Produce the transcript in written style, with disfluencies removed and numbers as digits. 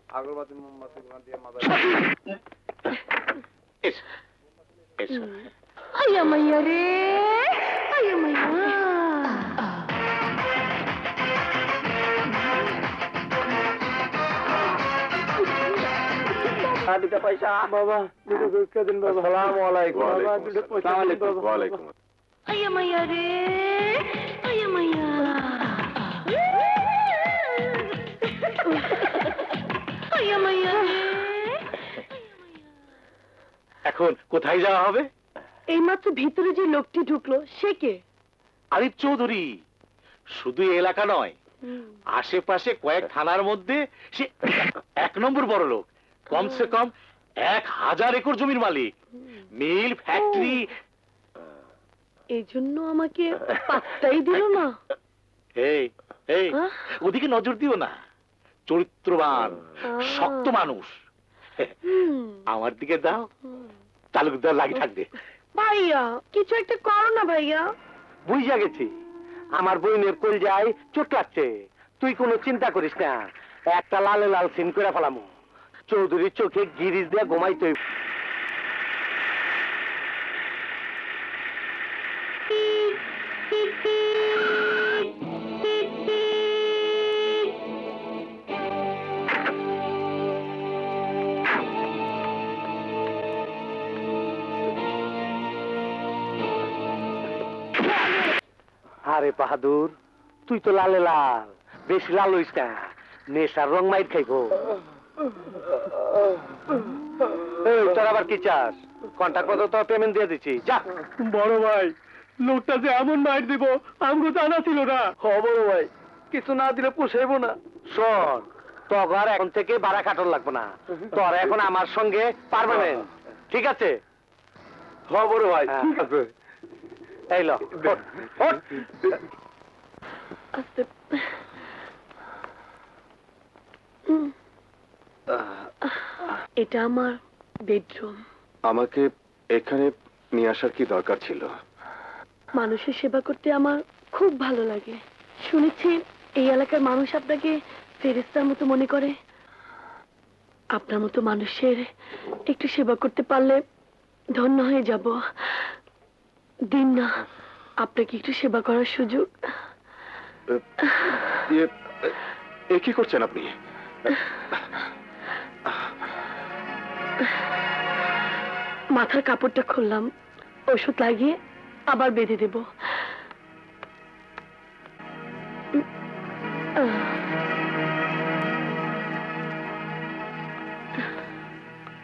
আগরবাতি মোমবাতি ঘুমা দিয়ে মাথা এসো এসো আয়া মাইয়া রে, আয়া মাইয়া। দুটা পয়সা বাবা, দুটো ভিক্ষা দিন বাবা। আসসালামু আলাইকুম। বাবা দুটো পয়সা দিন বাবা। ওয়ালাইকুম আয়া মাইয়া রে, আয়া মাইয়া। আয়া মাইয়া রে। এখন কোথায় যাওয়া হবে? এইমাত্র ভিতরে যে লোকটি ঢুকলো সে কে? আরিফ চৌধুরী। শুধু এই এলাকা নয়, আশেপাশে কয়েক থানার মধ্যে সে 1 নম্বর বড় লোক। কমসে কম 1000 একর জমির মালিক, মিল ফ্যাক্টরি। এই জন্য আমাকে পাত্তাই দিল না। এই এই হ্যাঁ? ওদিকে নজর দিও না। চরিত্রবান শক্ত মানুষ। আমার দিকে দাও, তালুকদার লাগি থাকবে। ভাইয়া কিছু একটা করো না ভাইয়া। বুঝা গেছি, আমার বইনের কলজায় চোট লাগছে। তুই কোনো চিন্তা করিস না, একটা লালে লাল সিন করে ফেলামু। চৌধুরীর চোখে গিরিজ দিয়ে ঘুমাইতে। আরে বাহাদুর, তুই তো লালে লাল, বেশি লাল হইস না, নেশার রং মাইর খাইবো। এই তোর আবার কি চাস? কন্ট্রাক্ট মতো তো পেমেন্ট দিয়ে দিচ্ছি, যা। বড় ভাই, লোকটা যে এমন মাইর দিব আমগো জানা ছিল না। হ বড় ভাই, কিছু না দিলে পোষাইবো না। শোন, তোর এখন থেকে ভাড়া কাটন লাগবো না, তোর এখন আমার সঙ্গে পার্মানেন্ট, ঠিক আছে? হ বড় ভাই, ঠিক আছে। এই ল, ওঠ, ওঠ। আস্তে। এটা আমার বেডরুম। আমাকে এখানে নিয়ে আসার কি দরকার ছিল? মানুষের সেবা করতে আমার খুব ভালো লাগে। শুনেছি এই এলাকার মানুষ আপনাকে ফেরেশতার মতো মনে করে। আপনার মতো মানুষের একটু সেবা করতে পারলে ধন্য হয়ে যাব। দিন না আপনাকে একটু সেবা করার সুযোগ। এ কি করছেন আপনি? মাথার কাপড়টা খুললাম, ওষুধ লাগিয়ে আবার বেঁধে দেব।